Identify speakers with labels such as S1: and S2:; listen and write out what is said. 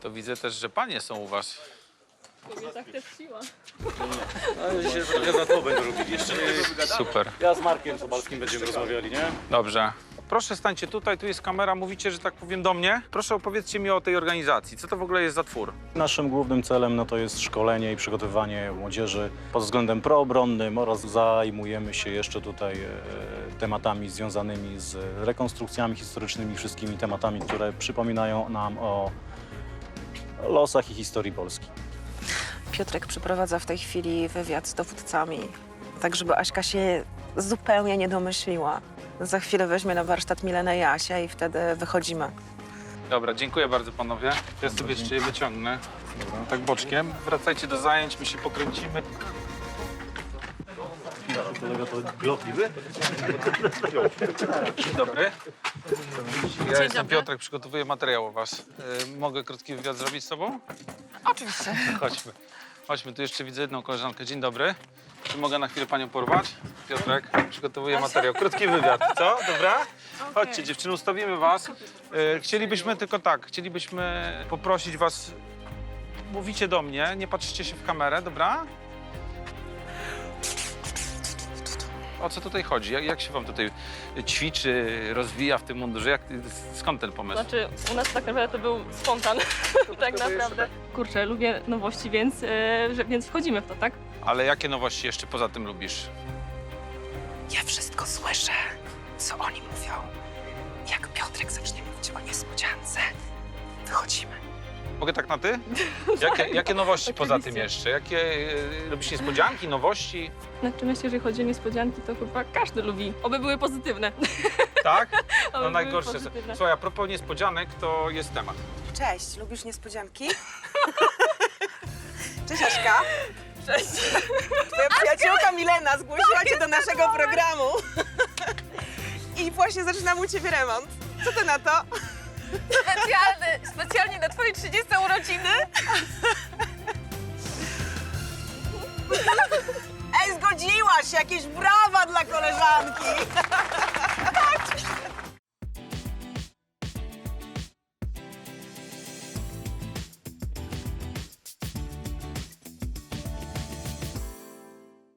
S1: To widzę też, że panie są u was.
S2: Tak też siła.
S3: No się trochę za to będę robić jeszcze.
S1: Super.
S3: Ja z Markiem Sobalskim będziemy rozmawiali, nie?
S1: Dobrze. Proszę stańcie tutaj, tu jest kamera, mówicie, że tak powiem do mnie. Proszę opowiedzcie mi o tej organizacji. Co to w ogóle jest za twór?
S4: Naszym głównym celem to jest szkolenie i przygotowywanie młodzieży pod względem proobronnym oraz zajmujemy się jeszcze tutaj tematami związanymi z rekonstrukcjami historycznymi, wszystkimi tematami, które przypominają nam o losach i historii Polski.
S5: Piotrek przeprowadza w tej chwili wywiad z dowódcami, tak żeby Aśka się zupełnie nie domyśliła. Za chwilę weźmie na warsztat Milenę i Asię i wtedy wychodzimy.
S1: Dobra, dziękuję bardzo panowie. Ja sobie jeszcze je wyciągnę. Tak boczkiem. Wracajcie do zajęć, my się pokręcimy.
S3: Kolega to glotliwy?
S1: Dzień dobry. Ja jestem Piotrek, przygotowuję materiał o was. Mogę krótki wywiad zrobić z tobą?
S5: Oczywiście.
S1: Chodźmy. Chodźmy, tu jeszcze widzę jedną koleżankę. Dzień dobry. Czy mogę na chwilę panią porwać? Piotrek, przygotowuję materiał. Krótki wywiad, co? Dobra? Chodźcie dziewczyny, ustawimy was. Chcielibyśmy tylko tak, chcielibyśmy poprosić was, mówicie do mnie, nie patrzcie się w kamerę, dobra? O co tutaj chodzi? Jak się wam tutaj ćwiczy, rozwija w tym mundurze? Skąd ten pomysł?
S2: Znaczy, u nas tak naprawdę to był spontan, tak naprawdę. Kurczę, lubię nowości, więc wchodzimy w to, tak?
S1: Ale jakie nowości jeszcze poza tym lubisz?
S5: Ja wszystko słyszę, co oni mówią. Jak Piotrek zacznie mówić o niespodziance, wychodzimy.
S1: Mogę tak na ty? Jakie nowości poza tym jeszcze? Jakie lubisz niespodzianki, nowości?
S2: Znaczy myślę, że jeżeli chodzi o niespodzianki, to chyba każdy lubi. Oby były pozytywne.
S1: Tak?
S2: Oby
S1: No
S2: były
S1: najgorsze.
S2: pozytywne.
S1: Słuchaj, a propos niespodzianek, to jest temat.
S5: Cześć, lubisz niespodzianki? Cześć Aśka.
S2: Cześć.
S5: Twoja przyjaciółka Milena zgłosiła cię do naszego programu. I właśnie zaczynam u ciebie remont. Co ty na to?
S6: Specjalnie na twoje 30 urodziny?
S5: Ej, zgodziłaś się! Jakieś brawa dla koleżanki!